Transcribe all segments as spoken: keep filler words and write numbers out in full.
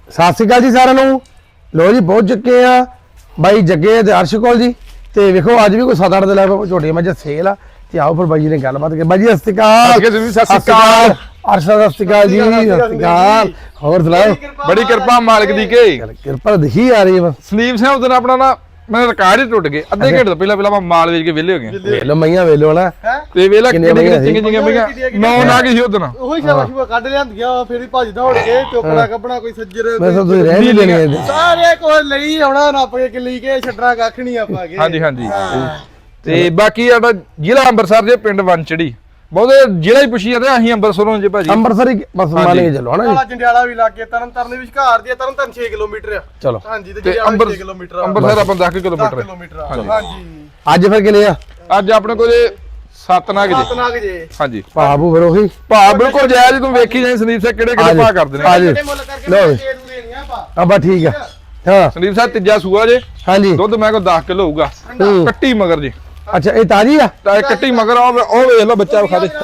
ਸਤਿ ਸ਼੍ਰੀ ਅਕਾਲ ਜੀ ਸਾਰਿਆਂ ਨੂੰ। ਲੋ ਜੀ ਪਹੁੰਚ ਚੁੱਕੇ ਆ ਬਾਈ ਜੱਗੇ ਤੇ ਅਰਸ਼ ਕੋਲ ਜੀ। ਤੇ ਵੇਖੋ ਅੱਜ ਵੀ ਕੋਈ ਸੱਤ ਅੱਠ ਦੇ ਲੈ ਝੋਟੀਆਂ ਮੱਝਾਂ ਸੇਲ ਆ ਤੇ ਆਓ ਫਿਰ ਬਾਈ ਜੀ ਨੇ ਗੱਲਬਾਤ ਕਰ। ਬਾਈ ਜੀ ਸਤਿ ਸ਼੍ਰੀ ਅਕਾਲ। ਸਤਿ ਸ਼੍ਰੀ ਅਕਾਲ ਅਰਸ਼ ਸਤਿ ਸ਼੍ਰੀ ਅਕਾਲ ਜੀ। ਸਤਿ ਸ਼੍ਰੀ ਅਕਾਲ। ਹੋਰ ਸੁਣਾਓ? ਬੜੀ ਕਿਰਪਾ ਮਾਲਕ ਦੀ ਕੇ ਕਿਰਪਾ ਦਿਖੀ ਆ ਰਹੀ ਹੈ। ਸੰਦੀਪ ਸਿੰਘ ਉਦੋਂ ਆਪਣਾ ਨਾ ਮੈਂ ਰਿਕਾਰਡ ਹੀ ਟੁੱਟ ਗਏ ਅੱਧੇ ਘੰਟੇ ਤੋਂ ਪਹਿਲਾਂ ਪਹਿਲਾਂ ਮੈਂ ਮਾਲ ਵੇਚ ਕੇ ਵਿਹਲੇ ਹੋ ਗਏ। ਵੇਖ ਲੋ ਮਈਆਂ ਵੇਖ ਲੋ ਨਾ ਤੇ ਵੇਲਾ ਕਿੰਨੀਆਂ ਕਿੰਨੀ ਮਈਆਂ ਚੰਗੀ ਚੰਗੀਆਂ ਮਈਆਂ ਨੌ ਨਾ ਗਈ ਸੀ ਉਦੋਂ। ਉਹੀ ਸ਼ਾਬਾਸ਼ ਕੱਢ ਲਿਆਂਦੀਆਂ ਫਿਰ ਹੀ ਭੱਜ ਦੌੜ ਕੇ ਟੋਕਣਾ ਕੱਪਣਾ ਕੋਈ ਸੱਜਰ ਮੈਂ ਤਾਂ ਤੁਸੀਂ ਰਹਿ ਨਹੀਂ ਲੈਣੇ। ਸਾਰੇ ਕੋਲ ਲਈ ਆਉਣਾ ਨੱਪ ਕੇ ਕਿੱਲੀ ਕੇ ਛੱਡਣਾ ਕੱਖ ਨਹੀਂ ਆਪਾਂ ਕੇ। ਹਾਂਜੀ ਹਾਂਜੀ ਤੇ ਬਾਕੀ ਸਾਡਾ ਜ਼ਿਲ੍ਹਾ ਅੰਮ੍ਰਿਤਸਰ ਦੇ ਪਿੰਡ ਵੰਚੜੀ ਬਹੁਤੇ ਜ਼ਿਲ੍ਹਾ ਹੀ ਪੁੱਛੀ ਜਾਂਦੇ ਅਸੀਂ ਅੰਮ੍ਰਿਤਸਰੋਂ ਜੇ ਭਾਜੀ ਅੰਮ੍ਰਿਤਸਰ ਹੀ ਬਸ ਮੰਨ ਕੇ ਚੱਲੋ ਹਨਾ ਜੀ। ਕਾਲਾ ਜੰਡਿਆਲਾ ਵੀ ਲੱਗੇ ਤਰਨ ਤਰਨ ਦੇ ਵਿਚਕਾਰ ਦੀ ਤਰਨ ਤਰਨ ਛੇ ਕਿਲੋਮੀਟਰ ਆ। ਚਲੋ ਹਾਂਜੀ ਤੇ ਤੇ ਜੰਡਿਆਲਾ ਛੇ ਕਿਲੋਮੀਟਰ ਆ। ਅੰਮ੍ਰਿਤਸਰ ਆਪਾਂ ਦਸ ਕਿਲੋਮੀਟਰ ਕਿਲੋਮੀਟਰ ਆ। ਹਾਂਜੀ ਅੱਜ ਫਿਰ ਕਿਲੇ ਆ ਅੱਜ ਆਪਣੇ ਕੋਲ ਸੱਤ ਨਾਗ ਜੀ। ਸਤਨਾਗ ਜੇ ਹਾਂਜੀ ਭਾਬੂ ਫਿਰ ਉਹੀ ਭਾਅ ਬਿਲਕੁਲ ਜਾਇਜ਼ ਤੂੰ ਵੇਖੀ ਜਾਈ ਸੰਦੀਪ ਸਿੰਘ ਕਿਹੜੇ ਕਿਹੜੇ ਭਾਅ ਕਰਦੇ ਨੇ। ਆ ਜੀ ਛੋਟੇ ਮੁੱਲ ਕਰਕੇ ਲਓ ਦੇ ਦੇਣੀਆਂ ਆਪਾਂ। ਆ ਬਾ ਠੀਕ ਆ। ਹਾਂ ਸੰਦੀਪ ਸਾਹਿਬ ਤੀਜਾ ਸੂਆ ਜੇ ਹਾਂਜੀ ਦੁੱਧ ਮੈਂ ਕੋ ਦਸ ਕਿਲੋ ਹੋਊਗਾ ਹੂੰ। ਕੱਟੀ ਮਗਰ ਜੀ ਅੱਛਾ ਇਹ ਤਾਜੀ ਆ। ਤਾਂ ਇਹ ਕੱਟੀ ਮਗਰ ਉਹ ਉਹ ਵੇਖ ਲਓ ਬੱਚਾ ਵਿਖਾ ਦੇ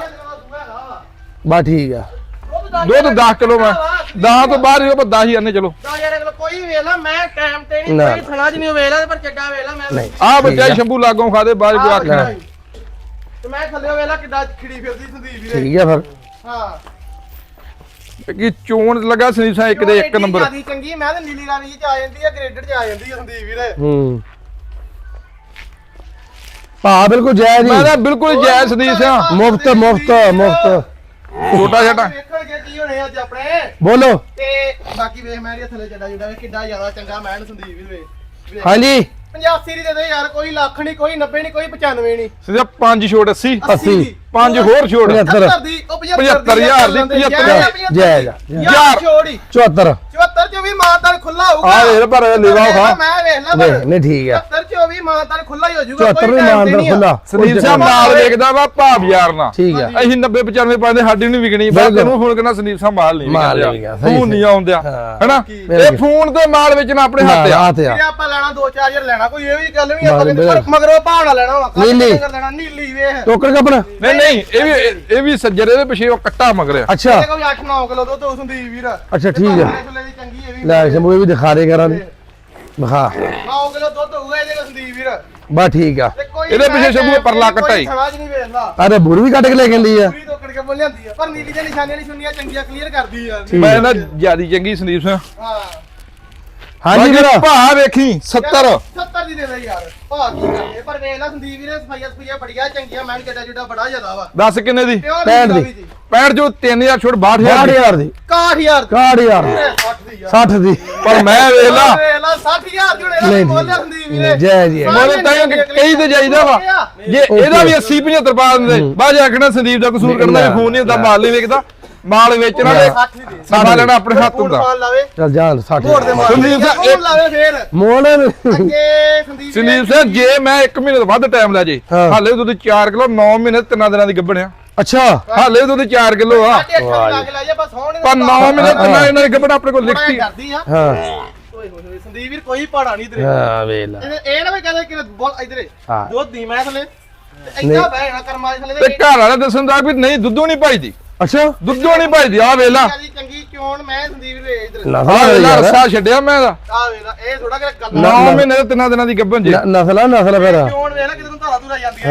ਬਾ ਠੀਕ ਆ। ਦੁੱਧ ਦਸ ਕਿਲੋ ਮੈਂ ਦਸ ਤੋਂ ਬਾਹਰ ਹੀ ਉਹ ਦਸ ਹੀ ਆਨੇ ਚਲੋ। ਦਸ ਹਜ਼ਾਰ ਅਗਲਾ ਕੋਈ ਵੇਖ ਲਾ ਮੈਂ ਟਾਈਮ ਤੇ ਨਹੀਂ ਨਾ। ਕੋਈ ਥਣਾ ਚ ਨਹੀਂ ਵੇਖ ਲਾ ਪਰ ਚੱਡਾ ਵੇਖ ਲਾ ਮੈਂ ਨਹੀਂ ਆਹ ਬੱਚਾ ਸ਼ੰਭੂ ਲਾਗੋਂ ਖਾ ਦੇ ਬਾਅਦ ਚ ਆਹ ਆਖਣਾ ਤੇ ਮੈਂ ਥੱਲੇ ਵੇਖ ਲਾ ਕਿੱਦਾਂ ਖਿੜੀ ਫਿਰਦੀ ਸੰਦੀਪ ਵੀਰੇ। ਠੀਕ ਆ ਫਿਰ। ਹਾਂ ਕਿ ਚੋਣ ਲੱਗਾ ਸੰਦੀਪ ਸਾਹਿਬ ਇੱਕ ਦੇ ਇੱਕ ਨੰਬਰ। ਜਿਆਦੀ ਚੰਗੀ ਮੈਂ ਤਾਂ ਨੀਲੀ ਰਾਣੀ ਚ ਆ ਜਾਂਦੀ ਆ ਗ੍ਰੇਡਡ ਚ ਆ ਜਾਂਦੀ ਆ ਸੰਦੀਪ ਵੀਰੇ। ਹੂੰ ਭਾ ਬਿਲਕੁਲ ਜਾਇਜ਼ ਮੈਂ ਜੀ। ਤਾਂ ਬਿਲਕੁਲ ਜਾਇਜ਼ ਸੰਦੀਪ ਸਿੰਘ ਮੁਫਤ ਮੁਫਤ ਮੁਫਤ ਛੋਟਾ ਛੋਟਾ ਵੇਖਣਗੇ ਕੀ ਹੋਣੇ ਅੱਜ ਆਪਣੇ ਬੋਲੋ। ਤੇ ਬਾਕੀ ਵੇਖ ਮੈਂ ਇਹਦੇ ਥੱਲੇ ਚੱਡਾ ਜੁੜਾ ਵੇ ਕਿੱਡਾ ਜ਼ਿਆਦਾ ਚੰਗਾ ਮੈਂ ਸੰਦੀਪ ਵੀਰੇ। ਹਾਂਜੀ ਪਚਾਸੀ ਦੀ ਦੇ ਦੇ ਯਾਰ ਕੋਈ ਲੱਖ ਨਹੀਂ ਕੋਈ ਨੱਬੇ ਨਹੀਂ ਕੋਈ ਪਚਾਨਵੇਂ ਨਹੀਂ। ਸੰਦੀਪ ਪੰਜ ਛੋਟ ਅੱਸੀ ਅੱਸੀ ਪੰਜ ਹੋਰ ਛੋਟ ਪਝੱਤਰ ਦੀ ਉਹ ਪਝੱਤਰ ਹਜ਼ਾਰ ਦੀ, ਪਝੱਤਰ ਜਾਇਜ਼ ਯਾਰ ਛੋੜੀ ਚੁਹੱਤਰ ਚੁਹੱਤਰ ਚ ਵੀ ਮਾਨਤਾਨ ਖੁੱਲਾ ਹੋਊਗਾ। ਆ ਵੇਖ ਪਰ ਲੀਵਾ ਖਾ ਮੈਂ ਵੇਖ ਲਾ ਨਹੀਂ ਨਹੀਂ ਠੀਕ ਆ। ਚੁਹੱਤਰ ਚ ਵੀ ਮਾਨਤਾਨ ਖੁੱਲਾ ਹੀ ਹੋ ਜਾਊਗਾ। ਚੁਹੱਤਰ ਵੀ ਮਾਨਦਾਰ ਖੁੱਲਾ ਸੰਦੀਪ ਸਾਹਿਬ ਮਾਲ ਵੇਖਦਾ ਵਾ ਭਾਵ ਯਾਰ ਨਾ ਠੀਕ ਆ। ਅਸੀਂ ਨੱਬੇ ਪਚਾਨਵੇਂ ਪਾਉਂਦੇ ਸਾਡੀ ਨਹੀਂ ਵਿਕਣੀ ਬਾਅਦ ਤੈਨੂੰ ਫੋਨ ਕਰਨਾ ਸੰਦੀਪ ਸਾਹਿਬ ਮਾਲ ਨਹੀਂ ਮਾਲ ਨਹੀਂ ਵਿਕਿਆ, ਸਹੀ ਫੋਨ ਨਹੀਂ ਆਉਂਦਿਆ ਹਾਂ। ਹੈਨਾ ਇਹ ਫੋਨ ਤੇ ਮਾਲ ਵੇਚਣਾ ਆਪਣੇ ਹੱਥ ਆ। ਹੱਥ ਆ। ਜੇ ਆਪਾਂ ਲੈਣਾ ਦੋ ਚਾਰ ਹਜ਼ਾਰ ਲੈਣਾ ਕੋਈ ਇਹ ਵੀ ਗੱਲ ਨਹੀਂ ਆਪਾਂ ਮਾਲ ਕਹਿੰਦੇ ਪਰ ਮਗਰੋਂ ਭਾਵਨਾ ਲੈਣਾ ਵਾ ਨੀਲੀ। ਲੈਣਾ ਨੀਲੀ ਵੇਖ ਟੋਕਰ ਕਪੜਾ ਨਹੀਂ ਨਹੀਂ ਇਹ ਵੀ ਇਹ- ਇਹ ਵੀ ਸੱਜਰੇ ਦੇ ਪਿੱਛੇ ਉਹ ਕੱਟਾ ਮਗਰ ਆ। ਅੱਛਾ ਇਹਦੇ ਕੋਲ ਅੱਠ ਨੌ ਕਿਲੋ ਦੁੱਧ ਉਸ ਹੁੰਦੀ ਵੀਰ। ਅੱਛਾ ਠੀਕ ਆ। ਸੁਲੇ ਦੀ ਚੰਗੀ ਇਹ ਵੀ ਲੈ ਸ਼ੰਭੂ ਇਹ ਵੀ ਦਿਖਾ ਦੇ ਕਰਾਂ ਦੀ ਦਿਖਾ ਨੌ ਕਿਲੋ ਦੁੱਧ ਹੋਊਗਾ ਇਹਦੇ ਕੋਲ ਸੰਦੀਪ ਵੀਰ। ਬਾ ਠੀਕ ਆ। ਤੇ ਕੋਈ ਇਹਦੇ ਪਿੱਛੇ ਸ਼ੰਭੂ ਪਰਲਾ ਕੱਟਾ ਹੀ। ਸਮਝ ਨਹੀਂ ਵੇਖਦਾ ਅਰੇ ਬੁਰ ਵੀ ਕੱਟ ਕੇ ਲੈ ਗੰਦੀ ਆ। ਪੂਰੀ ਤੋਕੜ ਕੇ ਬੋਲ ਜਾਂਦੀ ਆ ਪਰ ਨੀਲੀ ਦੇ ਨਿਸ਼ਾਨੀਆਂ ਨਿਸ਼ਾਨੀਆਂ ਚੰਗੀਆਂ ਕਲੀਅਰ ਕਰਦੀ ਆ। ਠੀਕ। ਮੈਂ ਨਾ ਜਿਆਦੀ ਚੰਗੀ ਸੰਦੀਪ ਸਿੰਘ ਹਾਂ ਹਾਂਜੀ ਵੀਰ ਭਾ ਵੇਖੀ ਸੱਤਰ ਸੱਤਰ ਦੀ ਦੇ ਦੇ ਯਾਰ ਭਾਅ ਕੀ ਕਰਦੇ ਪਰ ਵੇਖ ਲੈ ਸੰਦੀਪ ਵੀਰੇ ਸਫਾਈਆਂ ਸਫਾਈਆਂ ਬੜੀਆਂ ਚੰਗੀਆਂ ਮੈਂ ਕਿਹਾ ਜੁੜਾ ਬੜਾ ਜ਼ਿਆਦਾ ਵਾ। ਦੱਸ ਕਿੰਨੇ ਦੀ ਪਿਓਰ ਪੈਂਹਠ ਦੀ। ਦੀ ਪੈਂਹਠ ਜੋ ਤਿੰਨ ਹਜ਼ਾਰ ਛੋੜ ਬਾਹਠ ਬਾਹਠ ਹਜ਼ਾਰ ਹਜ਼ਾਰ ਦੀ ਇਕਾਹਠ ਹਜ਼ਾਰ ਦੀ। ਕਾਹਠ ਹਜ਼ਾਰ ਦੀ ਸੱਠ ਦੀ ਯਾਰ ਸੱਠ ਦੀ ਪਰ ਮੈਂ ਵੇਖ ਲਾ ਵੇਖ ਲਾ ਸੱਠ ਹਜ਼ਾਰ ਜੁੜੇ ਨਹੀਂ, ਦਾ ਬੋਲਿਆ ਸੰਦੀਪ ਵੀਰੇ। ਨਹੀਂ, ਜੈ ਜੀ। ਮੋਲੇ ਤਾਂ ਕਈ ਤੇ ਜਾਈਦਾ ਵਾ ਜੇ ਇਹਦਾ ਵੀ ਅੱਸੀ ਪਝੱਤਰ ਪਾ ਦਿੰਦੇ ਬਾਅਦ ਆਖਣਾ ਸੰਦੀਪ ਦਾ ਕਸੂਰ ਕਰਨਾ ਫੋਨ ਨਹੀਂ ਹੁੰਦਾ ਮਾਲ ਨਹੀਂ ਵੇਚਦਾ ਮਾਲ ਵੇਚਣਾ ਤੇ ਸੱਠ ਦੀ ਦੇ ਸਾਡਾ ਲੈਣਾ ਆਪਣੇ ਹੱਥ ਹੁੰਦਾ। ਫੋਨ ਲਾਵੇ ਚੱਲ ਜਾਣ ਸੱਠ ਮੋੜ ਦੇ ਮਾਰ ਸੰਦੀਪ ਸਾਹਿਬ ਫੋਨ ਲਾਵੇ ਫੇਰ ਮੋੜ ਅੱਗੇ ਸੰਦੀਪ ਸੰਦੀਪ ਸਿੰਘ ਜੇ ਮੈਂ ਇੱਕ ਮਹੀਨੇ ਤੋਂ ਵੱਧ ਟਾਈਮ ਲੈ ਜੇ ਹਾਂ। ਹਾਲੇ ਦੁੱਧ ਚਾਰ ਕਿਲੋ ਨੌ ਮਹੀਨੇ ਤਿੰਨਾਂ ਦਿਨਾਂ ਦੀ ਗੱਭਣ ਆ ਅੱਛਾ ਹਾਲੇ ਦੁੱਧ ਚਾਰ ਕਿਲੋ ਆ ਲੱਗ ਲੈ ਜਾ ਬਸ ਹੋਣ ਪਰ ਨੌ ਮਹੀਨੇ ਤਿੰਨਾਂ ਦਿਨਾਂ ਦੀ ਗੱਭਣ ਆਪਣੇ ਕੋਲ ਲਿਖਤੀ ਕਰਦੀ ਆ। ਹਾਂ ਓਏ ਹੋਏ ਹੋਏ ਸੰਦੀਪ ਵੀਰ ਕੋਈ ਪਹਾੜਾ ਨਹੀਂ ਤੇਰੇ। ਹਾਂ ਵੇਖ ਲੈ ਇਹ ਇਹ ਨਾ ਵੀ ਕਹਦੇ ਕਿ ਬੋਲ ਇਧਰੇ ਹਾਂ। ਦੁੱਧ ਦੀ ਮੈਂ ਥਲੇ ਇੱਦਾਂ ਬਹਿਣਾ ਕਰਮਾ ਦੇ ਥਲੇ ਤੇ ਘਰ ਵਾਲਾ ਦੱਸਣ ਦਾ ਵੀ ਨਹੀਂ ਦੁੱਧੋਂ ਨਹੀਂ ਭਾਈਦੀ ਅੱਛਾ ਦੁੱਧੋਂ ਨਹੀਂ ਭਾਈਦੀ ਆ ਵੇਲਾ ਚੰਗੀ ਚੋਣ ਮੈਂ ਸੰਦੀਪ ਵੀਰ ਇਧਰ ਨਸਲ ਆ ਆ ਵੇਲਾ ਯਾਰ। ਰਸਾ ਛੱਡਿਆ ਮੈਂ ਦਾ ਆ ਵੇਲਾ ਇਹ ਥੋੜਾ ਕਿ ਗੱਲ ਨੌ ਮਹੀਨੇ ਤੇ ਤਿੰਨਾਂ ਦਿਨਾਂ ਦੀ ਗੱਭਣ ਜੇ ਨ- ਨਸਲ ਆ ਨਸਲ ਫਿਰ ਚੋਣ ਵੇਲਾ ਕਿਤੇ ਨੂੰ ਧਾਰਾ ਧੂਰਾ ਜਾਂਦੀਆਂ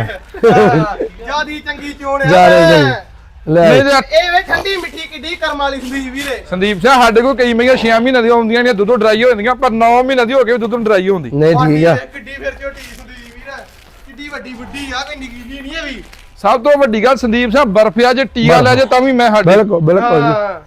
ਹਾਂ। ਜਿਆਦੀ ਚੰਗੀ ਚੋਣ ਆ ਜਾ ਰਹੀ ਜੀ ਲੈ ਨਹੀਂ ਤੇ ਇਹ ਵੇ ਠੰਡੀ ਮਿੱਠੀ ਕਿੱਡੀ ਕਰਮ ਵਾਲੀ ਸੰਦੀਪ ਵੀਰੇ। ਸੰਦੀਪ ਸਿੰਘ ਸਾਡੇ ਕੋਲ ਕਈ ਮਹੀਆਂ ਛੇ ਮਹੀਨੇ ਦੀਆਂ ਆਉਂਦੀਆਂ ਨੇ ਦੁੱਧੋਂ ਡਰਾਈ ਹੋ ਜਾਂਦੀਆਂ ਪਰ ਨੌ ਮਹੀਨੇ ਦੀ ਹੋ ਕੇ ਦੁੱਧੋਂ ਡਰਾਈ ਹੁੰਦੀ ਨਹੀਂ ਠੀਕ ਆ। ਕਿੱਡੀ ਫਿਰ ਝੋਟੀ ਸੰਦੀਪ ਵੀਰ ਕਿੱਡੀ ਵੱਡੀ ਵੱਡੀ ਆ ਕੋਈ ਨਿੱਕੀ ਜਿਹੀ ਨਹੀਂ ਇਹ ਵੀ। ਸਭ ਤੋਂ ਵੱਡੀ ਗੱਲ ਸੰਦੀਪ ਸਿੰਘ ਬਰਫਿਆ ਜੇ ਟੀਆ ਲੈ ਜੇ ਤਾਂ ਵੀ ਮੈਂ ਸਾਡੇ ਬਿਲਕੁਲ ਬਿਲਕੁਲ ਜੀ ਹਾਂ।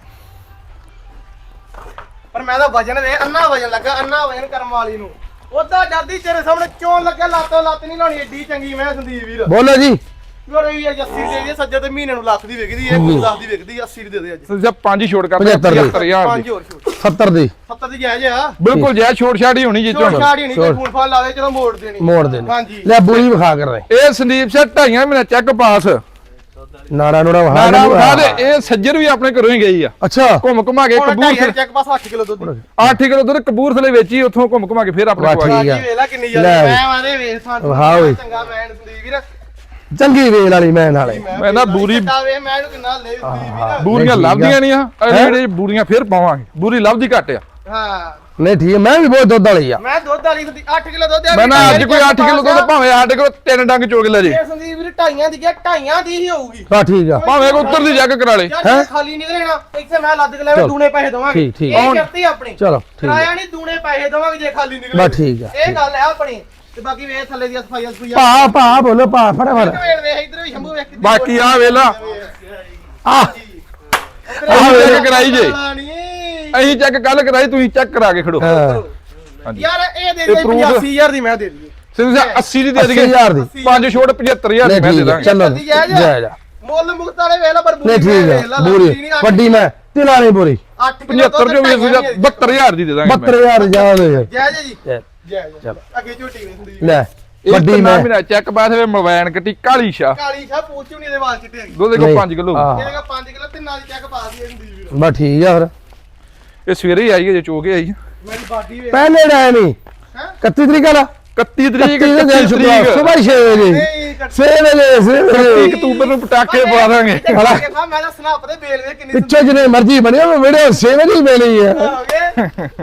ਪਰ ਮੈਂ ਤਾਂ ਵਜਨ ਵੇ ਅੰਨਾ ਵਜਨ ਲੱਗਾ ਅੰਨਾ ਵਜਨ ਕਰਮ ਵਾਲੀ ਨੂੰ ਉਦਾਂ ਜਰਦੀ ਤੇਰੇ ਸਾਹਮਣੇ ਚੋਣ ਲੱਗਾ ਲਾਤੋਂ ਲੱਤ ਨਹੀਂ ਲਾਉਣੀ ਏਡੀ ਚੰਗੀ ਮੈਂ ਸੰਦੀਪ ਵੀਰ। ਬੋਲੋ ਜੀ ਯਾਰ ਇਹ ਯਾਰ ਅੱਸੀ ਦੇ ਦੇ ਸੱਜੇ ਤੇ ਮਹੀਨੇ ਨੂੰ ਲੱਖ ਦੀ ਵਿਕਦੀ ਇਹ ਲੱਖ ਦੀ ਵਿਕਦੀ ਅੱਸੀ ਦੀ ਦੇ ਦੇ ਅੱਜ ਸੰਦੀਪ ਸਿੰਘ ਪੰਜ ਹੀ ਛੋੜ ਕਰ ਪਝੱਤਰ ਦੀ। ਹਜ਼ਾਰ ਪੰਜ ਦੀ ਹੋਰ ਛੋਟ ਸੱਤਰ ਦੀ ਸੱਤਰ ਦੀ ਜਾਇਜ਼ ਆ। ਬਿਲਕੁਲ ਜੈ ਛੋੜ ਛਾੜ ਹੀ ਹੋਣੀ ਜੀ ਛੋਟ ਚੋਣ ਛਾੜੀ ਨਹੀਂ ਕੋਈ ਫੋਨ ਫਾਨ ਲਾਵੇ ਚਲੋ ਮੋੜ ਦੇਣੀ ਮੋੜ ਦੇ ਨੇ ਹਾਂਜੀ ਲੈ ਬੂਰੀ ਵਿਖਾ ਕਰ ਰਹੇ ਇਹ ਸੰਦੀਪ ਸਿੰਘ ਢਾਈਆਂ ਮਹੀਨੇ ਚੈੱਕ ਪਾਸ ਨਾੜਾ ਨੂੜਾ ਵਿਖਾ ਨਾਰਾ ਕੇ ਉਠਾ ਦੇ ਇਹ ਸੱਜਰ ਵੀ ਆਪਣੇ ਘਰੋਂ ਹੀ ਗਈ ਆ ਅੱਛਾ ਘੁੰਮ ਘੁਮਾ ਕੇ ਹੁਣ ਢਾਈ ਕਬੂਰ ਚੈੱਕ ਪਾਸ ਅੱਠ ਕਿਲੋ ਦੁੱਧ ਅੱਠ ਕਿਲੋ ਦੁੱਧ ਕਬੂਰਥਲੇ ਵੇਚੀ ਉੱਥੋਂ ਘੁੰਮ ਘੁਮਾ ਕੇ ਫਿਰ ਆਪਣੇ ਵਾਹ, ਕੋਲ ਠੀਕ ਆਈ। ਆ। ਵੇਖ ਲੈ ਕਿੰਨੀ ਲੈ। ਜ਼ਿਆਦਾ ਮੈਂ ਆਦੇ ਵੇਖ ਸਾਨੂੰ ਵਾਹ ਓਏ। ਚੰਗਾ ਮੈਂ ਸੰਦੀਪ ਵੀਰ ਚੰਗੀ ਵੇਲ ਵਾਲੀ ਮੈਂ ਨਾਲੇ ਮੈਂ ਨਾ ਬੂਰੀ ਵੇ ਮੈਂ ਇਹਨੂੰ ਕਿੰਨਾ ਲੈ ਦਿੱਤੀ ਵੀ ਨਾ ਬੂਰੀਆਂ ਠੀਕ ਆ। ਲੱਭਦੀਆਂ ਨਹੀਂ ਆ ਅਜੇ ਜਿਹੜੇ ਬੂਰੀਆਂ ਫੇਰ ਪਾਵਾਂਗੇ ਬੂਰੀ ਲੱਭਦੀ ਘੱਟ ਆ ਹਾਂ ਨਹੀਂ ਠੀਕ ਹੈ ਮੈਂ ਵੀ ਬਹੁਤ ਦੁੱਧ ਵਾਲੀ ਆ ਮੈਂ ਦੁੱਧ ਵਾਲੀ ਹੁੰਦੀ ਅੱਠ ਕਿਲੋ ਦੁੱਧ ਆ ਮੈਂ ਨਾ ਅੱਜ ਕੋਈ ਅੱਠ ਕਿਲੋ ਦੁੱਧ ਭਾਵੇਂ ਸਾਡੇ ਕੋਲ ਤਿੰਨ ਡੰਗ ਚੋਗ ਲੈ ਜੇ ਇਹ ਸੰਦੀਪ ਵੀਰ ਢਾਈਆਂ ਦੀ ਗਿਆ ਢਾਈਆਂ ਦੀ ਹੀ ਹੋਊਗੀ ਹਾਂ ਠੀਕ ਆ ਭਾਵੇਂ ਕੋ ਉੱਤਰ ਦੀ ਜੱਗ ਕਰਾ ਲੇ ਯਾਰ ਜੇ ਖਾਲੀ ਨਿਕਲੇਣਾ ਇੱਥੇ ਮੈਂ ਲੱਦ ਕੇ ਲੈਵੇਂ ਦੂਣੇ ਪੈਸੇ ਦਵਾਂਗੇ ਠੀਕ, ਠੀਕ। ਇਹ ਕਰਤੀ ਆਪਣੀ ਚਲੋ ਠੀਕ ਕਿਰਾਇਆ ਨਹੀਂ ਦੂਣੇ ਪੈਸੇ ਦਵਾਂਗੇ ਜੇ ਖਾਲੀ ਨਿਕਲੇ ਬਸ ਠੀਕ ਆ ਇਹ ਗੱਲ ਹੈ ਆਪਣੀ ਤੇ ਬਾਕੀ ਵੇਖ ਥੱਲੇ ਦੀ ਸਫਾਈ ਸਫਾਈ ਭਾ ਭਾ ਬੋਲੋ ਭਾ ਫਟਾਫਟ ਵੇਖ ਵੇਖ ਇਧਰ ਵੀ ਸ਼ੰਭੂ ਵੇਖ ਕਿੱਦਾਂ ਬਾਕੀ ਆ ਵੇਲਾ ਆ ਅਸੀਂ ਚੈੱਕ ਕਰਾਈ ਜੇ ਅਸੀਂ ਚੈੱਕ ਕੱਲ ਕਰਾਈ ਤੁਸੀਂ ਚੈੱਕ ਕਰਾ ਕੇ ਖੜੋ ਹਾਂ ਹਾਂਜੀ ਯਾਰ ਇਹ ਦੇ ਇਹ ਦੇ proof- ਪਚਾਸੀ ਹਜ਼ਾਰ ਦੀ ਮੈਂ ਦੇ ਦਈਏ ਸਿੰਘ ਸਾਹਿਬ ਅੱਸੀ ਦੀ ਦੇ ਅੱਸੀ ਦਈਏ ਹਜ਼ਾਰ ਦੀ ਪੰਜ ਛੋਟ ਪਝੱਤਰ ਹਜ਼ਾਰ ਦੀ ਨਹੀਂ ਮੈਂ ਦੇ ਠੀਕ ਆ ਦਾਂਗੇ ਚੱਲੋ ਜਲਦੀ ਜਾਇਜ਼ ਆ। ਜਾਇਜ਼ ਆ। ਮੁੱਲ ਮੁਕਤ ਵਾਲੇ ਵੇਖ ਲੈ ਪਰ ਨਹੀਂ ਠੀਕ ਆ ਬੂਰੀ ਵੱਡੀ ਮੈਂ ਤਿਲਾ ਨਹੀਂ ਬੂਰੀ ਪਝੱਤਰ ਚੋਂ ਵੀ ਅਸੀਂ ਬਹੱਤਰ ਹਜ਼ਾਰ ਦੀ ਦੇ ਦਾਂਗੇ ਬਹੱਤਰ ਹਜ਼ਾਰ ਜਾਣ ਦੇ ਜੈ ਜੀ ਜੈ। ਜੈ ਚਲੋ। ਅੱਗੇ ਝੋਟੀ ਵੇਖਦੀ ਲੈ ਵੱਡੀ ਵੱਡੀ ਮੈਂ ਮੈਂ ਚੈੱਕ ਬਾਅਦ ਵਿੱਚ ਮੋਬਾਈਲ ਕੱਟੀ ਕਾਲੀ ਸ਼ਾ ਕਾਲੀ ਸ਼ਾ ਪੂਛ ਨਹੀਂ ਦੇ ਵਾਲ ਚਿੱਟੇ ਹੈਗੇ ਦੁੱਧ ਕੋ ਨਹੀਂ। ਪੰਜ ਕਿਲੋ ਹਾਂ। ਇਹਦੇ ਕਾ ਪੰਜ ਕਿਲੋ ਤੇ ਨਾਲ ਚੈੱਕ ਪਾ ਦਈਏ ਸੰਦੀਪ ਵੀਰ ਬਸ ਠੀਕ ਆ ਫਿਰ ਇਹ ਸਵੇਰੇ ਹੀ ਆਈ ਹੈ ਜੇ ਚੋ ਕੇ ਆਈ ਮੇਰੀ ਬਾਡੀ ਵੇਖ ਪਹਿਲੇ ਡਾਇ ਨਹੀਂ ਹੈ ਇਕੱਤੀ ਤਰੀਕ ਦਾ ਇਕੱਤੀ ਤਰੀਕ ਇਕੱਤੀ ਦਾ ਦਿਨ ਇਕੱਤੀ ਸ਼ੁਕਰਵਾਰ ਤਰੀਕ ਸਵੇਰ ਛੇ ਵਜੇ ਨਹੀਂ ਕੱਟ ਛੇ ਵਜੇ ਛੇ ਵਜੇ ਇਕੱਤੀ ਅਕਤੂਬਰ ਨੂੰ ਪਟਾਕੇ ਪਵਾ ਦਾਂਗੇ ਮੈਂ ਤਾਂ ਸਨਾਪ ਤੇ ਬੇਲ ਵੇ ਕਿੰਨੀ ਪਿੱਛੇ ਜਿਹਨੇ ਮਰਜ਼ੀ ਬਣਿਆ ਉਹ ਵੀਡੀਓ ਛੇ ਵਜੇ ਹੀ ਮਿਲੀ ਹੈ ਹੋ ਗਏ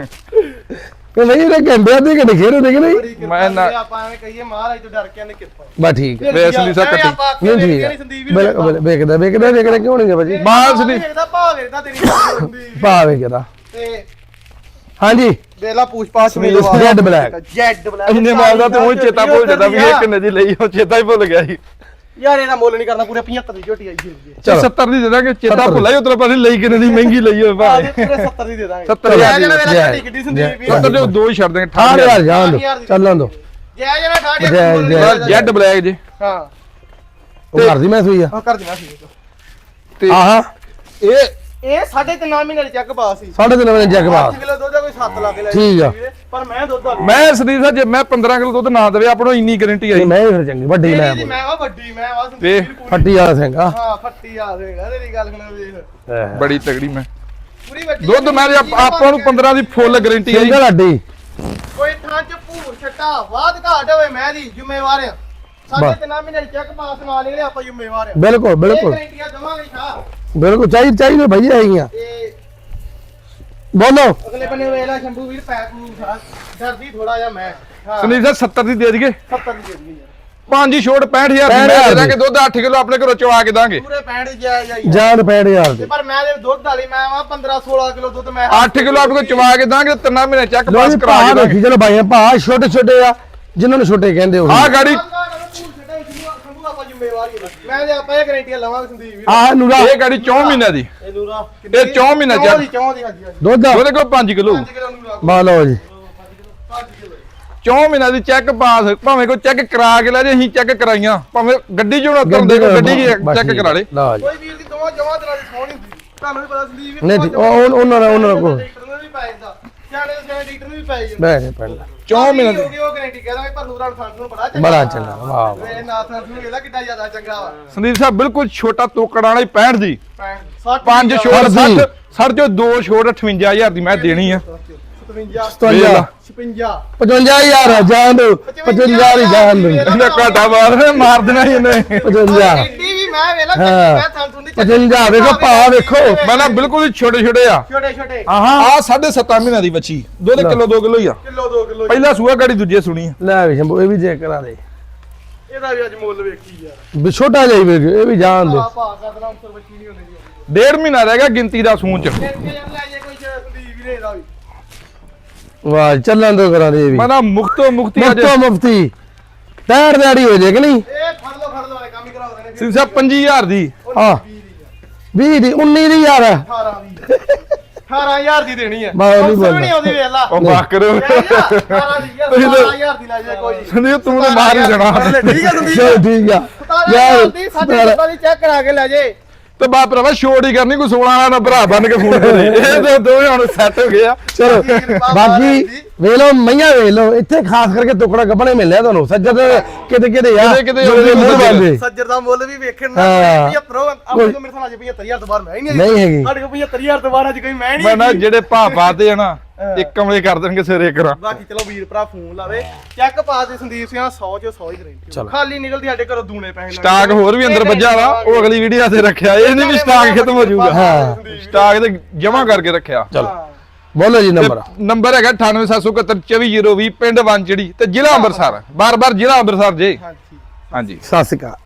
ਕਿ ਨਹੀਂ ਇਹ ਘੰਟੇ ਅੱਧੇ ਘੰਟੇ ਖੇਡ ਹੁੰਦੇ ਕਿ ਨਹੀਂ ਬੜੀ ਕਿਰਪਾ ਮੈਂ ਨਾ- ਜੀ, ਆਪਾਂ ਐਵੇਂ ਕਹੀਏ ਮਹਾਰਾਜ ਤੋਂ ਡਰ ਕੇ ਨੇ ਕਿਰਪਾ ਬਸ ਠੀਕ ਹੈ ਵੇ ਸੰਦੀਪ ਸਾਹਿਬ ਕੱਟੀ ਨਹੀਂ ਠੀਕ ਹੈ ਬਿਲਕੁਲ ਵੇਖਦਾ ਵੇਖਦਾ ਵੇਖਦਾ ਕਿਉਂ ਨਹੀਂ ਭਾਜੀ ਮਾਸ ਨਹੀਂ ਵੇਖਦਾ ਭਾਅ ਵੇਖਦਾ ਤੇਰੀ ਗੱਲ ਹੁੰਦੀ ਭਾ ਵੇਖਦਾ ਤੇ ਹਾਂਜੀ ਵੇਲਾ ਪੂਛ ਪਾਛ Red black। ਜੈਡ ਬਲੈਕ ਇੰਨੇ ਮਾਲ ਦਾ ਤੇ ਉਹ ਚੇਤਾ ਭੁੱਲ ਜਾਂਦਾ ਵੀ ਇਹ ਕਿੰਨੇ ਦੀ ਲਈ ਉਹ ਚੇਤਾ ਹੀ ਭੁੱਲ ਗਿਆ ਸੀ ਯਾਰ ਇਹਦਾ ਮੁੱਲ ਨਹੀਂ ਕਰਨਾ ਪੂਰੇ ਪਝੱਤਰ ਦੀ ਝੋਟੀ ਆਈ ਸੀ ਚਲੋ ਸੱਤਰ ਦੀ ਦੇ ਦਾਂਗੇ ਚੇਤਾ ਸੱਤਰ ਭੁੱਲਾ ਹੀ ਉਤਰਾ ਪਾਸੇ ਲਈ ਕਿੰਨੇ ਦੀ ਮਹਿੰਗੀ ਲਈ ਹੋਵੇ ਆਹ ਭਾਵੇਂ ਪੂਰੇ ਸੱਤਰ ਦੀ ਦੇ ਦਾਂਗੇ ਸੱਤਰ ਹਜ਼ਾਰ ਦੀ ਜੈ ਜਣਾ ਵੇਲਾ ਜੈ। ਝੋਟੀ ਕਿੱਡੀ ਸੰਦੀਪ ਵੀਰ ਸੱਤਰ ਦੇ ਦੋ ਹੀ ਛੱਡ ਦਾਂਗੇ ਅਠਾਹਠ ਹਜ਼ਾਰ ਜਾਣ ਦੋ ਹਜ਼ਾਰ ਦੀ। ਚੱਲਣ ਦੋ ਜੈ ਜਣਾ ਠਾੜੀ ਜੈ- ਜੈ- ਜੈਡ ਬਲੈਕ ਜੇ ਹਾਂ ਉਹ ਘਰ ਦੀ ਮੈਂ ਸੂਈ ਆ ਉਹ ਕਰ ਦੇਣਾ ਸੀ ਤੇ ਆਹਾ ਇਹ ਇਹ ਸਾਢੇ ਤਿੰਨ ਮਹੀਨੇ ਦੇ ਚੈੱਕ ਪਾਸ ਸੀ ਸਾਢੇ ਤਿੰਨ ਵਜੇ ਜੱਗ ਬਾਤ ਅੱਠ ਕਿਲੋ ਦੁੱਧ ਦਾ ਕੋਈ ਸੱਤ ਲਾ ਕੇ ਲੈ ਠੀਕ ਆ। ਪਰ ਮੈਂ ਦੁੱਧ ਵਾਲੀ ਮੈਂ ਸਦੀਪ ਸਾਹਿਬ ਜੇ ਮੈਂ ਪੰਦਰਾਂ ਕਿਲੋ ਦੁੱਧ ਨਾ ਦੇਵੇ ਆਪਣੋ ਇੰਨੀ ਗਾਰੰਟੀ ਆਈ ਮੈਂ ਵੀ ਫਿਰ ਚੰਗੀ ਵੱਡੀ ਮੈਂ ਮੇਰੀ ਮੈਂ ਵਾ ਵੱਡੀ ਮੈਂ ਵਾ ਸੰਦੀਪ ਵੇਖ, ਵੀਰ ਪੂਰੀ। ਫੱਟੀ ਵਾਲਾ ਸਿੰਘ ਆ ਹਾਂ ਫੱਟੀ ਆ ਦੇਗਾ ਤੇਰੀ ਗੱਲ ਸੁਣਾ ਵੇਖ ਬੜੀ ਤਗੜੀ ਮੈਂ ਪੂਰੀ ਵੱਡੀ ਦੁੱਧ ਮੈਂ ਜੇ ਆਪ- ਆਪਾਂ ਨੂੰ ਪੰਦਰਾਂ ਦੀ ਫੁੱਲ ਗਾਰੰਟੀ ਆਈ ਸਿੰਗਲ ਅੱਡੀ ਕੋਈ ਥਾਂ ਚ ਭੂਰ ਛੱਟਾ ਵਾਧ ਘਾਟ ਹੋਵੇ ਮੈਂ ਦੀ ਜ਼ਿੰਮੇਵਾਰ ਆ ਸਾਡੇ ਬਸ। ਤਿੰਨ ਮਹੀਨੇ ਦੇ ਚੈੱਕ ਪਾਸ ਨਾਲ ਨਿਕਲੇ ਆਪਾਂ ਜ਼ਿੰਮੇਵਾਰ ਆ ਬਿਲਕੁਲ ਬਿਲਕੁਲ ਇਹ ਗਰੰਟੀਆਂ ਦਵਾਂਗੇ ਸ਼ਾਹ ਬਿਲਕੁਲ ਚਾਹੀਦੀ ਚਾਹੀਦੀ ਭਾਈ ਹੈਗੀਆਂ ਤੇ ਬੋਲੋ ਅਗਲੇ ਬੰਨੇ ਵੇਲਾ ਸ਼ੰਭੂ ਵੀਰ ਪੈਕ ਨੂੰ ਸ਼ਾਹ ਡਰਦੀ ਥੋੜਾ ਜਿਹਾ ਮੈਂ ਹਾਂ ਸੰਦੀਪ ਸਾਹਿਬ ਸੱਤਰ ਦੀ ਦੇ ਦਈਏ ਸੱਤਰ ਦੀ ਦੇ ਦਈਏ ਯਾਰ ਪੰਜ ਹੀ ਛੋਟ ਪੈਂਹਠ ਹਜ਼ਾਰ ਦੀ ਮੈਂ ਦੇ ਦਾਂਗੇ ਦੁੱਧ ਅੱਠ ਕਿਲੋ ਆਪਣੇ ਘਰੋਂ ਚਵਾ ਕੇ ਦਾਂਗੇ ਪੂਰੇ ਪੈਂਹਠ ਜਾਇ ਜਾਈ ਜਾਨ ਪੈਣ ਯਾਰ ਦੇ ਪਰ ਮੈਂ ਦੇ ਦੁੱਧ ਵਾਲੀ ਮੈਂ ਵਾ ਪੰਦਰਾਂ ਸੋਲਾਂ ਕਿਲੋ ਦੁੱਧ ਮੈਂ ਅੱਠ ਕਿਲੋ ਆਪਣੇ ਕੋਲ ਚਵਾ ਕੇ ਦਾਂਗੇ ਤਿੰਨਾਂ ਮਹੀਨੇ ਚੈੱਕ ਲੋ ਪਾਸ ਜੀ ਕਰਾ ਭਾ ਕੇ ਦਾਂਗੇ ਦੇਖੀ ਚਲੋ ਭਾਈਆਂ ਭਾ ਛੋਟੇ ਛੋਟੇ ਆ ਜਿਨ੍ਹਾਂ ਨੂੰ ਛੋਟੇ ਕਹਿੰਦੇ ਉਹ ਆਹ ਗਾੜੀ ਮੈਂ ਤੇ ਆਪਾਂ ਇਹ ਗਰੰਟੀਆਂ ਲਵਾਂਗੇ ਸੰਦੀਪ ਵੀਰ ਆਹ ਨੂਰਾ ਇਹ ਗਾੜੀ ਚੌਂ ਮਹੀਨਿਆਂ ਦੀ ਇਹ ਨੂਰਾ ਇਹ ਚੌਂ ਮਹੀਨਿਆਂ ਚੌਂ ਦੀ ਚ ਚੌਂ ਦੀ ਹਾਂਜੀ ਹਾਂਜੀ ਦੁੱਧ ਉਹਦੇ ਕੋਲ ਪੰਜ ਕਿਲੋ ਪੰਜ ਕਿਲੋ ਨੂਰਾ ਬਾ ਲਓ ਜੀ ਪੰਜ ਕਿਲੋ ਚੌਂ ਮਹੀਨਿਆਂ ਦੀ ਚੈੱਕ ਪਾਸ ਭਾਵੇਂ ਕੋਈ ਚੈੱਕ ਕਰਾ ਕੇ ਲੈ ਜੇ ਅਸੀਂ ਚੈੱਕ ਕਰਾਈਆਂ ਭਾਵੇਂ ਗੱਡੀ ਚੋਂ ਉਤਰਨ ਦੇ ਗੱਡੀ ਚੈੱਕ ਕਰਾ ਲੇ ਲਓ ਜੀ ਕੋਈ ਵੀਰ ਦੀ ਦੋਵਾਂ ਜਮਾਂ ਤਰ੍ਹਾਂ ਦੀ ਸੋਹਣੀ ਹੁੰਦੀ ਤੁਹਾਨੂੰ ਵੀ ਪਤਾ ਸੰਦੀਪ ਵੀਰ ਨਹੀਂ ਠੀਕ ਉਹ ਉਹ- ਉਹਨਾਂ ਦਾ ਉਹਨਾਂ ਦਾ ਕੋਲ ਡਾਕਟਰ ਨੂੰ ਵੀ ਪੈ ਜਾਂਦਾ ਸਿਆਣੇ ਦੇ ਸਿਆਣੇ ਡਾਕਟਰ ਨੂੰ ਵੀ ਪੈ ਜਾਂਦਾ ਬੈ ਨਹੀਂ ਪੈਂਦਾ ਚੌਂ ਮਹੀਨਿਆਂ ਦੀ ਹੋ ਗਈ ਉਹ ਗਾਰੰਟੀ ਕਹਦਾ ਪਰ ਨੂਰਾ ਨੂੰ ਨੂੰ ਬੜਾ ਚੰਗਾ ਬੜਾ ਚੰਗਾ ਵਾਹ ਵਾਹ ਮੇਰੇ ਨਾਥ ਨੂੰ ਇਹਦਾ ਕਿੱਡਾ ਜ਼ਿਆਦਾ ਚੰਗਾ ਵਾ ਸੰਦੀਪ ਸਾਹਿਬ ਬਿਲਕੁਲ ਛੋਟਾ ਤੋਕੜ ਵਾਲਾ ਹੀ ਪੈਂਹਠ ਦੀ ਸੱਠ ਪੰਜ ਛੋਟ ਸੱਠ ਦੀ। ਸੱਠ ਸੱਠ ਚੋਂ ਦੋ ਛੋਟ ਅਠਵੰਜਾ ਹਜ਼ਾਰ ਦੀ ਮੈਂ ਦੇਣੀ ਆ ਸਤਵੰਜਾ ਸਤਵੰਜਾ ਛਪੰਜਾ ਪਚਵੰਜਾ ਹਜ਼ਾਰ ਆ, ਜਾਨ ਦੋ ਪਚਵੰਜਾ ਦੀ ਜਾਨ ਦੋ ਇਹਦਾ ਘਾਟਾ ਮਾਰ ਮਾਰ ਦੇਣਾ ਹੀ ਇਹਨੇ ਪਚਵੰਜਾ ਐਡੀ ਵੀ ਮੈਂ ਵੇਲਾ ਹਾਂ। ਮੈਂ ਥਾਂ ਥੁੰਦੀ ਪਚਵੰਜਾ ਵੇਖੋ ਭਾ ਵੇਖੋ ਮੈਂ ਨਾ ਬਿਲਕੁਲ ਹੀ ਛੋਟੇ ਛੋਟੇ ਆ ਛੋਟੇ ਛੋਟੇ ਆਹਾਂ ਆ ਸਾਢੇ ਸੱਤਾਂ ਮਹੀਨਿਆਂ ਦੀ ਬੱਚੀ ਦੁੱਧ ਕਿਲੋ ਦੋ ਕਿਲੋ ਹੀ ਆ ਕਿਲੋ ਦੋ ਕਿਲੋ ਪਹਿਲਾ ਸੂਆ ਗਾੜੀ ਦੂਜੇ ਸੁਣੀ ਆ ਲੈ ਵੀ ਸ਼ੰਭੂ ਇਹ ਵੀ ਚੈੱਕ ਕਰਾ ਦੇ ਇਹਦਾ ਵੀ ਅੱਜ ਮੁੱਲ ਵੇਖੀ ਯਾਰ ਵੀ ਛੋਟਾ ਜਾਈ ਵੇਖ ਇਹ ਵੀ ਜਾਨ ਦੋ ਆ ਭਾ ਕਰਦਾ ਉਸਰ ਬੱਚੀ ਨਹੀਂ ਹੁੰਦੀ ਜੀ ਡੇਢ ਮਹੀਨਾ ਰਹਿ ਗਿਆ ਗਿਣਤੀ ਦਾ ਸੂਣ ਚ ਫਿਰ ਕੇ ਯਾਰ ਲੈ ਜੇ ਕੋਈ ਸੰਦੀਪ ਵੀਰੇ ਦਾ ਵੀ ਵਾਹ ਚੱਲਣ ਦੋ ਕਰਾ ਦੇ ਇਹ ਵੀ ਮੈਂ ਨਾ ਮੁਕਤੋ ਮੁਕਤੀ ਅੱਜ ਮੁਫਤੋ ਮੁਫਤੀ ਤੈਰ ਦਿਹਾੜੀ ਹੋ ਜੇ ਕਿ ਨਹੀਂ ਇਹ ਫੜ ਲੋ ਫੜ ਲੋ ਵਾਲੇ ਕੰਮ ਹੀ ਕਰਾ ਦੇਣੇ ਸਿੰਘ ਸਾਹਿਬ ਪੰਜੀ ਹਜ਼ਾਰ ਦੀ ਹਾਂ ਵੀਹ ਦੀ ਉੱਨੀ ਦੀ ਯਾਰ ਅਠਾਰਾਂ ਦੀ ਅਠਾਰਾਂ ਹਜ਼ਾਰ ਦੀ ਦੇਣੀ ਹੈ ਮੈਂ ਨਹੀਂ ਉਸਰ ਵੀ ਬੋਲਦਾ। ਨਹੀਂ ਆਉਂਦੀ ਵੇਲਾ ਉਹ ਬਾਕਰ ਅਠਾਰਾਂ ਦੀ ਯਾਰ ਸਤਾਰਾਂ ਹਜ਼ਾਰ ਦੀ ਲੈ ਜੇ ਕੋਈ ਸੰਦੀਪ ਤੂੰ ਤਾਂ ਮਾਰ ਹੀ ਦੇਣਾ ਠੀਕ ਹੈ ਸੰਦੀਪ ਚਲੋ ਠੀਕ ਆ ਸਤਾਰਾਂ ਹਜ਼ਾਰ ਦੀ ਸਾਡੇ ਸੱਤਾਂ ਦੀ ਚੈੱਕ ਕਰਾ ਕੇ ਲੈ ਜੇ ਤੇ ਬਾਪ ਭਰਾਵਾ ਛੋੜ ਹੀ ਕਰਨੀ ਕੋਈ ਸੋਲਾਂ ਵਾਲਾ ਨਾ ਭਰਾ ਬਣ ਕੇ ਫੋਨ ਕਰੇ ਇਹ ਤਾਂ ਦੋਵੇਂ ਹੁਣ ਸੈੱਟ ਹੋ ਗਏ ਆ ਚਲੋ ਬਾਕੀ ਵੇਖ ਲਓ ਮਈਆਂ ਵੇਖ ਲਓ ਇੱਥੇ ਖਾਸ ਕਰਕੇ ਟੁਕੜਾ ਗੱਬਣੇ ਮਿਲਿਆ ਤੁਹਾਨੂੰ ਸੱਜਦ ਕਿਤੇ ਕਿਤੇ ਆ ਕਿਤੇ ਕਿਤੇ ਲੋਕੀ ਮੂੰਹ ਸੱਜਦ। ਬੰਦੇ ਸੱਜਰ ਦਾ ਮੁੱਲ ਵੀ ਵੇਖਣ ਨਾ ਹਾਂ। ਪਝੱਤਰ ਆਪਣੇ ਕੋਲ ਮੇਰੇ ਨਾਲ ਅੱਜ ਪਝੱਤਰ ਹਜ਼ਾਰ ਤੋਂ ਬਾਹਰ ਮੈਂ ਹੀ ਨਹੀਂ ਨਹੀਂ ਹੈਗੀ ਸਾਡੇ ਕੋਲ ਪਝੱਤਰ ਹਜ਼ਾਰ ਤੋਂ ਬਾਹਰ ਅੱਜ ਕੋਈ ਮੈਂ ਨਹੀਂ ਮੈਂ ਨਾ ਜਿਹੜੇ ਭਾਅ ਪਾਤੇ ਆ ਨਾ ਇੱਕ ਕਮਲੇ ਕਰ ਦੇਣਗੇ ਸਿਰੇ ਕਰਾਂ। ਬਾਕੀ ਚਲੋ ਵੀਰ ਭਰਾ ਫੋਨ ਲਾਵੇ ਚੈੱਕ ਪਾਸ ਦੇ ਸੰਦੀਪ ਸਿੰਘ ਸੌ ਚੋਂ ਸੌ ਹੀ ਗਰੰਟੀ ਖਾਲੀ ਨਿਕਲਦੀ ਸਾਡੇ ਘਰੋਂ ਦੂਣੇ ਪੈਸੇ ਸਟਾਕ ਹੋਰ ਵੀ ਅੰਦਰ ਵੱਜਾ ਵਾ ਉਹ ਅਗਲੀ ਵੀਡੀਓ ਤੇ ਰੱਖਿਆ ਇਹ ਨਹੀਂ ਵੀ ਸਟਾਕ ਖਤਮ ਹੋ ਜਾਊਗਾ। ਹਾਂ ਸਟਾਕ ਤੇ ਜਮਾ ਕਰਕੇ ਰੱਖਿਆ। ਚਲੋ ਬੋਲੋ ਜੀ ਨੰਬਰ ਨੰਬਰ ਹੈਗਾ ਅਠਾਨਵੇਂ ਸੱਤ ਸੌ ਇਕਹੱਤਰ ਚੌਵੀ ਜ਼ੀਰੋ ਵੀਹ ਪਿੰਡ ਵੰਚੜੀ ਤੇ ਜ਼ਿਲ੍ਹਾ ਅੰਮ੍ਰਿਤਸਰ ਬਾਰ ਬਾਰ ਜ਼ਿਲ੍ਹਾ ਅੰਮ੍ਰਿਤਸਰ ਜੇ। ਹਾਂਜੀ ਹਾਂਜੀ ਸਤਿ ਸ਼੍ਰੀ ਅਕਾਲ।